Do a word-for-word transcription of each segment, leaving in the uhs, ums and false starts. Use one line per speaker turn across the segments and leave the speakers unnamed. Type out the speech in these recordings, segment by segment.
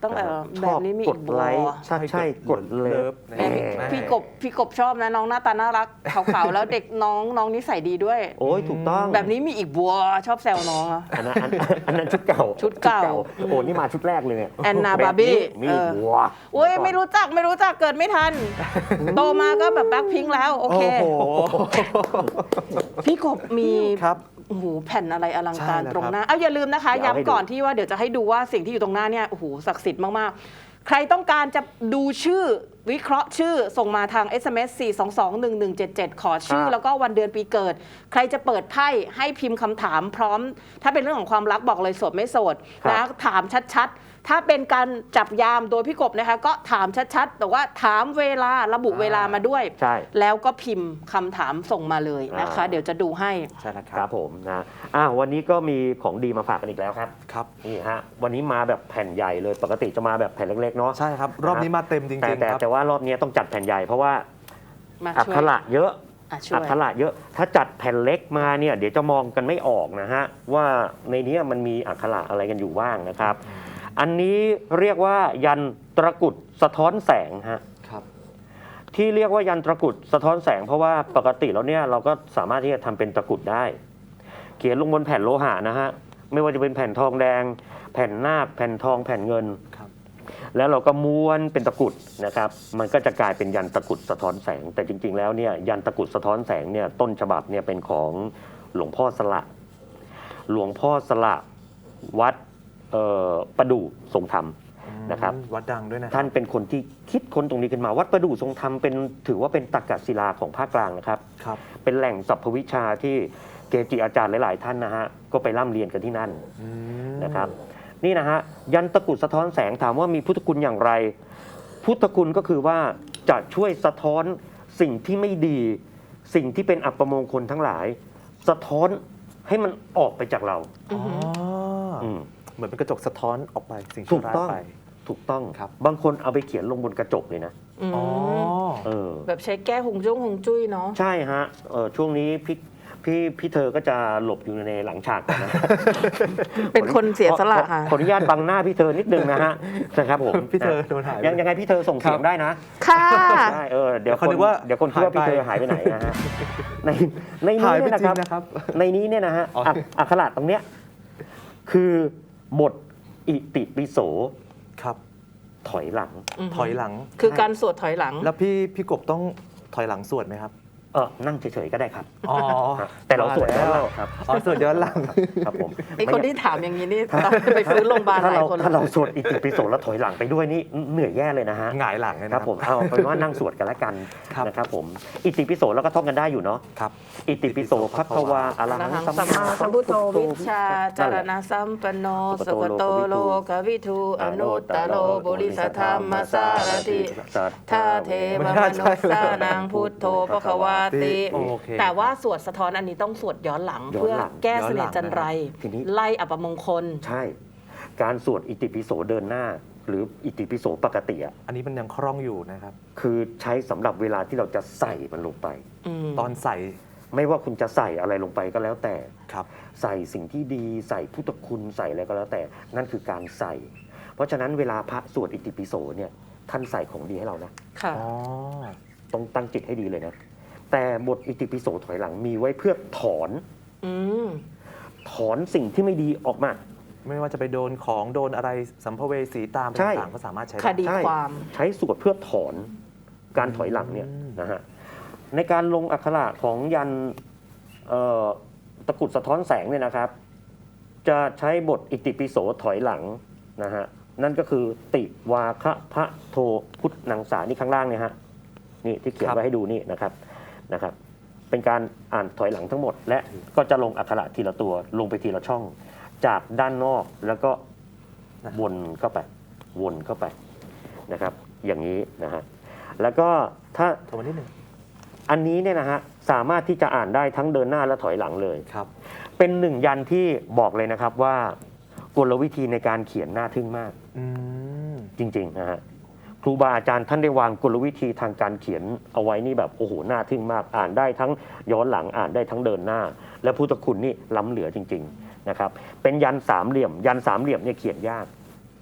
ต้องเออแบบนี้มีอีกบัว
ใช่ใช่กดเลิฟ
พี่กบพี่กบชอบนะน้องหน้าตาน่ารักขาวๆแล้วเด็กน้องน้องนิสัยดีด้วย
โอ้ยถูกต้อง
แบบนี้มีอีกบัวชอบแซวน้องอ่ะ
อันนั้นอันนั้นชุดเก่า
ชุดเก่า
โอ้นี่มาชุดแรกเลย
แอนนาบาร์บี้
มีบัว
โอ้ยไม่รู้จักไม่รู้จักเกิดไม่ทันโตมาก็แบบแบ็คพิงค์แล้วโอเคพี่กบมี
ครับ
โอ้โหแผ่นอะไรอลังการตรงหน้าเอาอย่าลืมนะคะย้ำก่อนที่ว่าเดี๋ยวจะให้ดูว่าสิ่งที่อยู่ตรงหน้าเนี่ยโอ้โหศักดิ์สิทธิ์มากๆใครต้องการจะดูชื่อวิเคราะห์ชื่อส่งมาทาง เอส เอ็ม เอส สี่ สอง สอง หนึ่ง หนึ่ง เจ็ด เจ็ด ขอชื่อแล้วก็วันเดือนปีเกิดใครจะเปิดไพ่ให้พิมพ์คำถามพร้อมถ้าเป็นเรื่องของความรักบอกเลยโสดไม่โสดนะถามชัดๆถ้าเป็นการจับยามโดยพี่กบนะคะก็ถามชัดๆแต่ว่าถามเวลาระบุเวลามาด้วยแล้วก็พิมพ์คำถามส่งมาเลยนะคะเดี๋ยวจะดูให้
ใช่แล้วครับผมนะอ่ะวันนี้ก็มีของดีมาฝากกันอีกแล้วครับ
ครับ
นี่ฮะวันนี้มาแบบแผ่นใหญ่เลยปกติจะมาแบบแผ่นเล็กๆเนาะ
ใช่ครับรอบนี้มาเต็มจริงๆ
แต่แต่ว่ารอบนี้ต้องจัดแผ่นใหญ่เพราะว่าอักขระเยอะอักขระเยอะถ้าจัดแผ่นเล็กมาเนี่ยเดี๋ยวจะมองกันไม่ออกนะฮะว่าในนี้มันมีอักขระอะไรกันอยู่บ้างนะครับอันนี้เรียกว่ายันตะกุดสะท้อนแสงฮะ
ครับ
ที่เรียกว่ายันตะกุดสะท้อนแสงเพราะว่าปกติแล้วเนี่ยเราก็สามารถที่จะทำเป็นตะกุดได้เขียนลงบนแผ่นโลหะนะฮะไม่ว่าจะเป็นแผ่นทองแดงแผ่นนาคแผ่นทองแผ่นเงินแล้วเราก็ม้วนเป็นตะกุดนะครับมันก็จะกลายเป็นยันตะกุดสะท้อนแสงแต่จริงๆแล้วเนี่ยยันตะกุดสะท้อนแสงเนี่ยต้นฉบับเนี่ยเป็นของหลวงพ่อสละหลวงพ่อสละวัดประดู่ทรงธรรมนะครับ
วัดดังด้วยนะ
ท่านเป็นคนที่คิดค้นตรงนี้ขึ้นมาวัดประดู่ทรงธรรมเป็นถือว่าเป็นตรรกศิลาของภาคกลางนะครับ
ครับ
เป็นแหล่งสรรพวิชาที่เกจิอาจารย์หลายๆท่านนะฮะก็ไปร่ำเรียนกันที่นั่นนะครับนี่นะฮะยันตะกุดสะท้อนแสงถามว่ามีพุทธคุณอย่างไรพุทธคุณก็คือว่าจะช่วยสะท้อนสิ่งที่ไม่ดีสิ่งที่เป็นอัปมงคลทั้งหลายสะท้อนให้มันออกไปจากเรา
อ๋อเหมือนเป็นกระจกสะท้อนออกไปสิ่ง
ที่ร้ายไปถูกต้องครับบางคนเอาไปเขียนลงบนกระจกเลยนะ
อ๋อเออแบบใช้แก้หงจุ้งหงจุ้ยเนาะ
ใช่ฮะเออช่วงนี้พี่พี่พี่เธอก็จะหลบอยู่ในหลังฉากนะ
เป็นคนเสียสละค่ะ
ขออนุญาตบังหน้าพี่เธอนิดนึงนะฮะนะครับผม
พี่เธอโดนหาย
ยังยังไงพี่เธอส่งเสียงได้นะ
ค่ะ
ใช่เออเดี๋ยวคนเดี๋ยวคนคิดว่าพี่เธอหายไปไหนนะฮะในในนี้เนี่ยนะครับในนี้เนี่ยนะฮะอักขระตรงเนี้ยคือบทอิติปิโส
ครับ
ถอยหลัง
ถอยหลัง
คือการสวดถอยหลัง
แล้วพี่พี่กบต้องถอยหลังสวดไหมครับ
เออนั่งเฉยๆก็ได้ครับ
อ๋อ
แต่เราสวดย้อนหลังครับ
อ๋อสวดย้อนหลัง
ครับผม
ไอคนที่ถามอย่างนี้นี่ต้องไปฟื้นโรงพยาบาลหลายคน
ถ้าเราสวดอิติปิโสแล้วถอยหลังไปด้วยนี่เหนื่อยแย่เลยนะฮะ
หงายหลังเลย
ครับผมเอาเป็นว่านั่งสวดกันแล้วกันนะครับผมอิติปิโสแล้วก็ท่องกันได้อยู่เนาะ
ครับ
อิติปิโสภควาอะระหัง
สัมมาสัมพุทโธวิชชาจารณะสัมปันโนสุขโตโลกวิทูอนุตตโรบุริสธรรมสารติทาเทวมนุสสานังพุทโธภควาติแต่ว่าสวดสะท้อนอันนี้ต้องสวดย้อนหลังเพื่อแก้เสน่ห์จันไรไล่อัปมงคล
ใช่การสวดอิติปิโสเดินหน้าหรืออิติปิโสปกติอ่ะ
อันนี้มันยังคล่องอยู่นะครับ
คือใช้สำหรับเวลาที่เราจะใส่มันลงไป
ตอนใส่
ไม่ว่าคุณจะใส่อะไรลงไปก็แล้วแต่
ครับ
ใส่สิ่งที่ดีใส่พุทธคุณใส่อะไรก็แล้วแต่นั่นคือการใส่ เพราะฉะนั้นเวลาพระสวดอิติปิโสเนี่ยท่านใส่ของดีให้เรานะ
ค่ะ
ต้องตั้งจิตให้ดีเลยนะแต่บทอิติปิโสถอยหลังมีไว้เพื่อถอนถอนสิ่งที่ไม่ดีออกมา
ไม่ว่าจะไปโดนของโดนอะไรสัมภเวสีตามต่างๆก็สามารถใช้
คดีความ
ใช้สวดเพื่อถอนการถอยหลังเนี่ยนะฮะในการลงอักขระของยันตะกุดสะท้อนแสงเนี่ยนะครับจะใช้บทอิติปิโสถอยหลังนะฮะนั่นก็คือติวาคะพระโทพุทธนังสานี่ข้างล่างเนี่ยฮะนี่ที่เขียนไว้ให้ดูนี่นะครับนะครับเป็นการอ่านถอยหลังทั้งหมดและก็จะลงอักขระทีละตัวลงไปทีละช่องจากด้านนอกแล้วก็วนเข้าไปวนเข้าไปนะครับอย่างนี้นะฮะแล้วก็ถ้า
โทรมานิดหนึ่ง
อันนี้เนี่ยนะฮะสามารถที่จะอ่านได้ทั้งเดินหน้าและถอยหลังเลย
ครับ
เป็นหนึ่งยันที่บอกเลยนะครับว่ากลวิธีในการเขียนน่าทึ่งมากจริงๆนะฮะครูบาอาจารย์ท่านได้วางกลวิธีทางการเขียนเอาไว้นี่แบบโอ้โหน่าทึ่งมากอ่านได้ทั้งย้อนหลังอ่านได้ทั้งเดินหน้าและพุทธคุณนี่ล้ำเหลือจริงๆนะครับเป็นยันสามเหลี่ยมยันสามเหลี่ยมเนี่ยเขียนยาก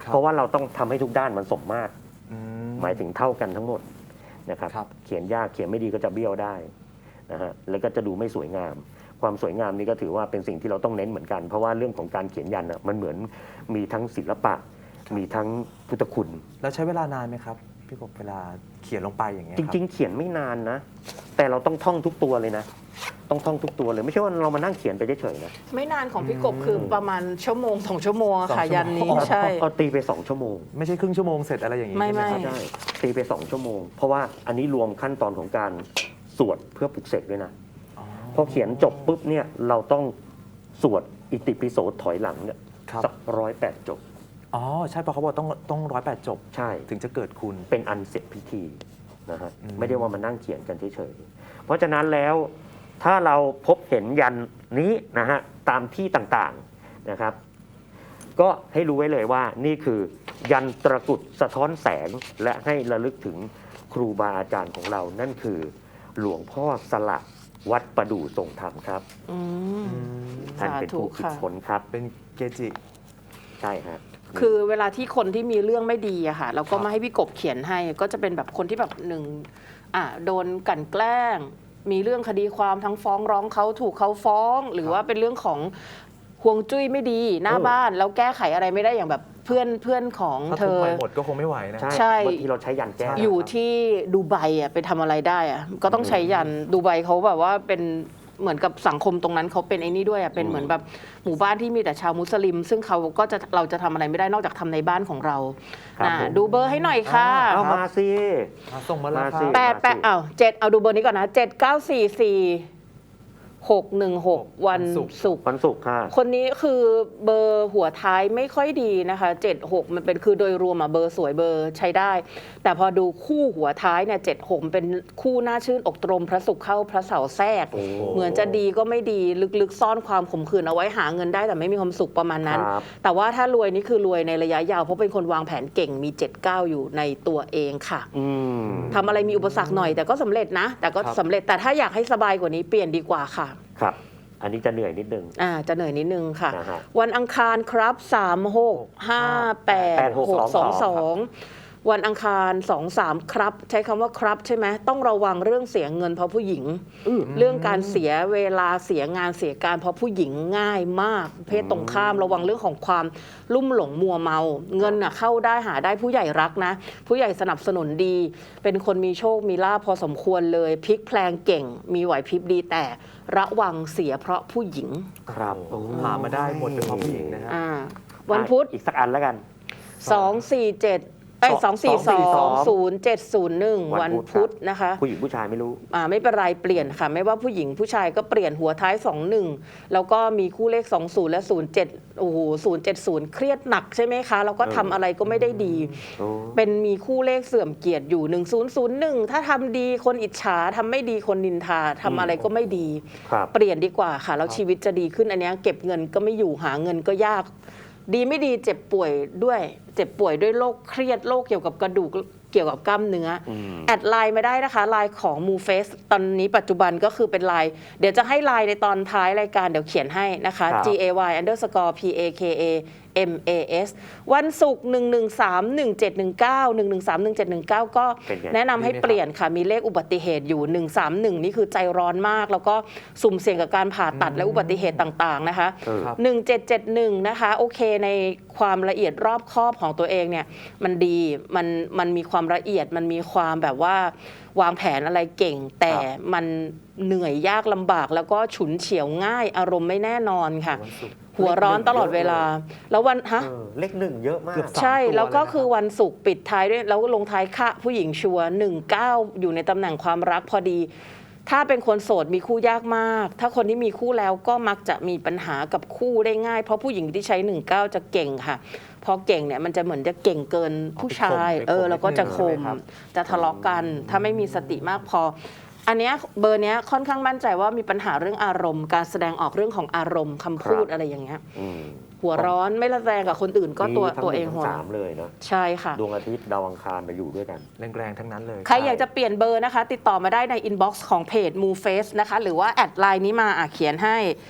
ครับ
เพราะว่าเราต้องทำให้ทุกด้านมันสมมาตร
อืม
หมายถึงเท่ากันทั้งหมดนะครับ
ครับ
เขียนยากเขียนไม่ดีก็จะเบี้ยวได้นะฮะแล้วก็จะดูไม่สวยงาม ความสวยงามนี่ก็ถือว่าเป็นสิ่งที่เราต้องเน้นเหมือนกัน เพราะว่าเรื่องของการเขียนยันน่ะมันเหมือนมีทั้งศิลปะ มีทั้งพุทธคุณ
แล้วใช้เวลานานไหมครับพี่กบเวลาเขียนลงไปอย่างเงี้ย
จริง ๆ เขียนไม่นานนะ แต่เราต้องท่องทุกตัวเลยนะ ต้องท่องทุกตัวเลย ไม่ใช่ว่าเรามานั่งเขียนไปเฉยๆนะ
ไม่นานของพี่กบคือประมาณชั่วโมงสองชั่วโมงอะค่ะยันนี้ใช่
เอาตีไปสองชั่วโมง
ไม่ใช่ครึ่งชั่วโมงเสร็จอะไรอย่างงี้
ไม่
ใช่ห
ไม่
ครับ
ใช่ตีไปสองชั่วโมง เพราะว่าอันนี้รวมขั้นตอนของการสวดเพื่อปลุกเสกด้วยนะ
อ๋อ
พอเขียนจบปุ๊บเนี่ยเราต้องสวดอิติปิโสถอยหลังเนี่ย
ครับ
สักร้อยแปดจบ
อ๋อใช่เพราะเขาบอกต้องต้องร้อยแปดจบ
ใช่
ถึงจะเกิดคุณ
เป็นอันเสร็จพิธีนะฮะ
อืม
ไม่ได้ว่ามานั่งเขียนกันเฉยๆเพราะฉะนั้นแล้วถ้าเราพบเห็นยันนี้นะฮะตามที่ต่างๆนะครับ ก็ให้รู้ไว้เลยว่านี่คือยันตระกรุดสะท้อนแสงและให้ระลึกถึงครูบาอาจารย์ของเรา นั่นคือหลวงพ่อสละวัดประดู่ทรงธรรมครับ
อืม
ท่านเป็นผู้คิด
สาธุค่ะ
ค้นครับ
เป็นเกจิ
ใช่ฮะ
คือเวลาที่คนที่มีเรื่องไม่ดีอะค่ะเราก็
ครับ
มาให้พี่กบเขียนให้ ก็จะเป็นแบบคนที่แบบหนึ่งอ่ะโดนกลั่นแกล้ง มีเรื่องคดีความทั้งฟ้องร้องเขาถูกเขาฟ้อง หรือว่าเป็นเรื่องของห่วงจุ้ยไม่ดีหน้า
เออ
บ้านแล้วแก้ไขอะไรไม่ได้อย่างแบบเพื่อนเพื่อนของ
ถ้า
เธ
ทุก
อ
ไปหมดก็คงไม่ไหวนะ
ใช่
ใช่
บางทีเราใช้ยันแก้
อยู่ที่ดูไบอ่ะไปทำอะไรได้อ่ะก็ต้องใช้ยันดูไบเขาแบบว่าเป็นเหมือนกับสังคมตรงนั้นเขาเป็นไอ้นี่ด้วยอ่ะเป็นเหมือนแบบหมู่บ้านที่มีแต่ชาวมุสลิม ซึ่งเขาก็จะเราจะทำอะไรไม่ได้นอกจากทำในบ้านของเรา
ครับ
อ่ะ
ผม
ดูเบอร์ให้หน่อยค่ะ
อ่
เอามาสิ
อ่ะส่งมาแล้ว
มา
ค
สิ
รับ
แปดแปดอ้าวเจ็ดเอาดูเบอร์นี้ก่อนนะเจ็ดเก้าสี่สี่หกหนึ่งหกวันศุกร์
วันศุกร์ค่ะ
คนนี้คือเบอร์หัวท้ายไม่ค่อยดีนะคะเจ็ดหกมันเป็นคือโดยรวมอะเบอร์สวยเบอร์ใช้ได้ แต่พอดูคู่หัวท้ายเนี่ยเจ็ดหกเป็นคู่น่าชื่นอกตรมพระศุกร์เข้าพระเสาร์แทรก
โอ้
เหมือนจะดีก็ไม่ดีลึกๆซ่อนความขมขื่นเอาไว้หาเงินได้แต่ไม่มีความสุขประมาณนั้น
ครับ
แต่ว่าถ้ารวยนี่คือรวยในระยะยาวเพราะเป็นคนวางแผนเก่งมีเจ็ดเก้าอยู่ในตัวเองค่ะ
อืม
ทำอะไรมีอุปสรรคหน่อยแต่ก็สำเร็จนะ แต่ก็
ครับ
สำเร็จแต่ถ้าอยากให้สบายกว่านี้เปลี่ยนดีกว่าค่ะ
ครับ อันนี้จะเหนื่อยนิดนึง
อ่าจะเหนื่อยนิดนึงค่ะ
นะฮะ
วันอังคารครับสามหกห้าแปดหกสองสองวันอังคารสองสามครับ ใช้คำว่าครับใช่ไหมต้องระวังเรื่องเสียเงินเพราะผู้หญิง เรื่องการเสียเวลาเสียงานเสียการเพราะผู้หญิงง่ายมาก เพศตรงข้ามระวังเรื่องของความลุ่มหลงมัวเมา เงินน่ะเข้าได้หาได้ผู้ใหญ่รักนะ ผู้ใหญ่สนับสนุนดี เป็นคนมีโชคมีลาภพอสมควรเลยพลิกแพลงเก่ง มีไหวพริบดีแต่ระวังเสียเพราะผู้หญิง
ครับ
โอ้หามาได้หมดเป็นเพราะผู้หญิงนะฮะ
อ่าวันพุธ
อีกสักอันแล้วกัน
สองสี่เจ็ดไอ้สองสี่สองศูนย์เจ็ดศูนย์หนึ่ง
วั
วัน
นพุ
พุธ
ธ
นะคะ
ผู้หญิงผู้ชายไม่รู้
อ่าไม่เป็นไรเปลี่ยนค่ะ ไม่ว่าผู้หญิงผู้ชายก็เปลี่ยนหัวท้ายสองหนึ่งแล้วก็มีคู่เลขสองศูนย์และศูนย์เจ็ดโอ้โหศูนย์เจ็ดศูนย์เครียดหนักใช่ไหมคะแล้วก็ทำอะไรก็ไม่ได้ดี
โอ้
เป็นมีคู่เลขเสื่อมเกียรติอยู่หนึ่งศูนย์ศูนย์หนึ่งถ้าทำดีคนอิจฉาทำไม่ดีคนนินทาทำอะไรก็ไม่ดี
ครับ
เปลี่ยนดีกว่าค่ะ แล้วชีวิตจะดีขึ้นอันเนี้ยเก็บเงินก็ไม่อยู่หาเงินก็ยาก ดีไม่ดีเจ็บป่วยด้วยเจ็บป่วยด้วยโรคเครียดโรคเกี่ยวกับกระดูกเกี่ยวกับกล้ามเนื้ออ
ม
แอดไลน์มาได้นะคะไลน์ของ มู เฟส ตอนนี้ปัจจุบันก็คือเป็นไลน์เดี๋ยวจะให้ไลน์ในตอนท้ายรายการเดี๋ยวเขียนให้นะคะ
ครับ
G A Y underscore P A K A M A S วันศุกร์หนึ่งหนึ่งสามหนึ่งเจ็ดหนึ่งเก้า หนึ่งหนึ่งสามหนึ่งเจ็ดหนึ่งเก้าก็
เป็นไง
แนะนำให้เปลี่ยนค่ะมีเลขอุบัติเหตุอยู่หนึ่งสามหนึ่งนี่คือใจร้อนมาก แล้วก็สุ่มเสี่ยงกับการผ่าตัดและอุบัติเหตุต่างๆนะคะ
เออ
ครับ
หนึ่งเจ็ดเจ็ดหนึ่งนะคะโอเคในความละเอียดรอบคอบของตัวเองเนี่ยมันดีมันมันมีความละเอียดมันมีความแบบว่าวางแผนอะไรเก่ง แต่มันเหนื่อยยากลำบากแล้วก็ฉุนเฉียวง่ายอารมณ์ไม่แน่นอนค่ะ
วันศุกร์
หัวร้อนตลอดเวลา แล้ววันฮะ
เออเลขหนึ่งเยอะมาก
เกือบสาม
ใช่
ตัว
แล้วก็
เลยนะครับ
คือวันศุกร์ปิดท้ายด้วยแล้วลงท้ายค่ะผู้หญิงชัวหนึ่งเก้าอยู่ในตำแหน่งความรักพอดี ถ้าเป็นคนโสดมีคู่ยากมาก ถ้าคนที่มีคู่แล้วก็มักจะมีปัญหากับคู่ได้ง่าย เพราะผู้หญิงที่ใช้หนึ่งเก้าจะเก่งค่ะพอเก่งเนี่ยมันจะเหมือนจะเก่งเกินผู้ชาย
ไปข่ม
เออแล้วก็จะค
นิดนึง
ม
ใช่ไหมครับ
จะทะเลาะกัน ถ้าไม่มีสติมากพอ อันเนี้ยเบอร์เนี้ยค่อนข้างมั่นใจว่ามีปัญหาเรื่องอารมณ์ การแสดงออกเรื่องของอารมณ์คำพูด
ครับ
อะไรอย่างเงี้ย
อืม
หัวร้อนไม่ระแวงกับคนอื่นก็ตัว
มีทั้
ตัว
ห
เอ
นึ่
ง
ทั้
หัว
สามเลยเนาะ
ใช่ค่ะ
ดวงอาทิตย์ดาวอังคารมาอยู่ด้วยกัน
แรงๆทั้งนั้นเลย
ใครอยากจะเปลี่ยนเบอร์นะคะ ติดต่อมาได้ในอินบ็อกซ์ของเพจ มู เฟส นะคะ หรือว่าแอดไลน์นี้มาอ่ะเขียนให้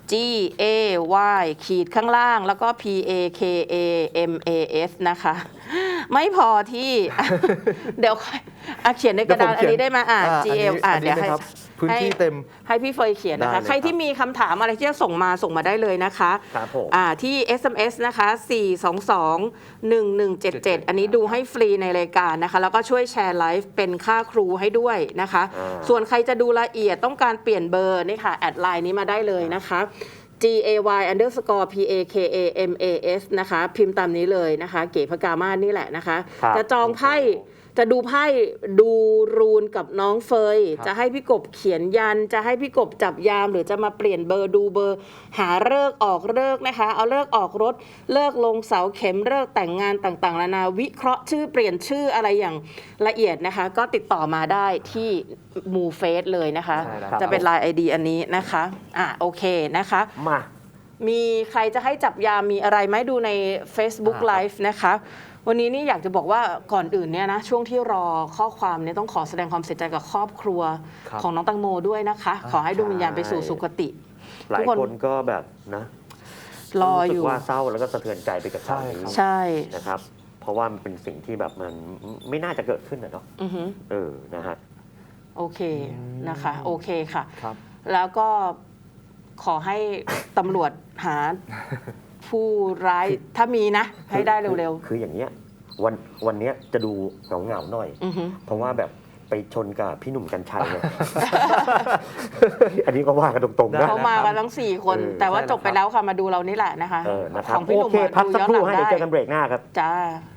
G A Y ขีดข้างล่างแล้วก็ P A K A M A S นะคะ ไม่พอที่ เดี๋ยวค่อยอ่ะเขียนในกระดาษอันนี้ได้ไหมอ่ะ G A อ่ะเดี๋ยวให้
พื้นที่เต็ม
ให้พี่เฟยเขียนนะคะ
ได้เลย
ใครที่มีคำถามอะไรที่จะส่งมาส่งมาได้เลยนะคะ
ครับผม
อ่าที่ เอส เอ็ม เอส นะคะ สี่สองสอง หนึ่งหนึ่งเจ็ดเจ็ด อันนี้ดูให้ฟรีในรายการนะคะ แล้วก็ช่วยแชร์ไลฟ์เป็นค่าครูให้ด้วยนะคะ
อ่า
ส่วนใครจะดูละเอียดต้องการเปลี่ยนเบอร์นี่ค่ะ แอดไลน์นี้มาได้เลยนะคะ G A Y underscore P A K A M A S นะคะ พิมพ์ตามนี้เลยนะคะ เก๋พกามาศนี่แหละนะคะ
ครับ
จะจองไพ่จะดูไพ่ดูรูนกับน้องเฟย
ครับ
จะให้พี่กบเขียนยัน จะให้พี่กบจับยาม หรือจะมาเปลี่ยนเบอร์ดูเบอร์ หาเลิกษ์ออกเลิกษ์นะคะ เอาเลิกษ์ออกรถเลิกษ์ลงเสาเข็มเลิกษ์แต่งงานต่างๆนานาวิเคราะห์ชื่อเปลี่ยนชื่ออะไรอย่างละเอียดนะคะ ก็ติดต่อมาได้ที่มูเฟสเลยนะคะ
ใช่แล้ว
จะเป็นไลน์ ไอ ดี อันนี้นะคะอ่ะโอเคนะคะ
มา
มีใครจะให้จับยามมีอะไรไหมดูใน Facebook
อ่าครับ
Live นะคะ วันนี้นี่อยากจะบอกว่าก่อนอื่นเนี่ยนะช่วงที่รอข้อความเนี่ยต้องขอแสดงความเสียใจกับครอบครัว
ครับ
ของน้องตังโมด้วยนะคะ
อ่า
ขอให้ดวงวิญญาณไปสู่สุคติ
หลาย
ทุกคน
คนก็แบบนะ
รอ
รู้
อ
สึ
ยู่
กว่าเศร้าแล้วก็สะเทือนใจไปกับข่าวนี้
ใช่
นะครับ เพราะว่ามันเป็นสิ่งที่แบบมันไม่น่าจะเกิดขึ้นนะเนาะ
อือฮึ
เออนะฮะ
โอเค
อืม
นะคะ โอเคค่ะ
ครับ
แล้วก็ขอให้ตำรวจหาผู้ร้ายถ้ามีนะ ให้ได้เร็ว
คือคืออย่างเงี้ยวันวันเนี้ยจะดูเหงาเหงาๆหน่อย
ๆ อือฮึ
เพราะว่าแบบไปชนกับพี่หนุ่มกัญชัยเนี่ย อันนี้ก็ว่ากันตรงๆ
ได้
นะ
เขามากันทั้งสี่คน
เออ
แต่ว่า
ใช่
จบไปแล้วค่ะมาดูเรานี่แหละนะคะ
เออนะครับ
ของพี่ห
โอ
นุ่ม
เค
อะ
พัก
ดู
สัก
ย้อน
ครู่
หลัง
ให้เดี๋ยว
ได้
เจอกันเบรกหน้าครับ
จ้า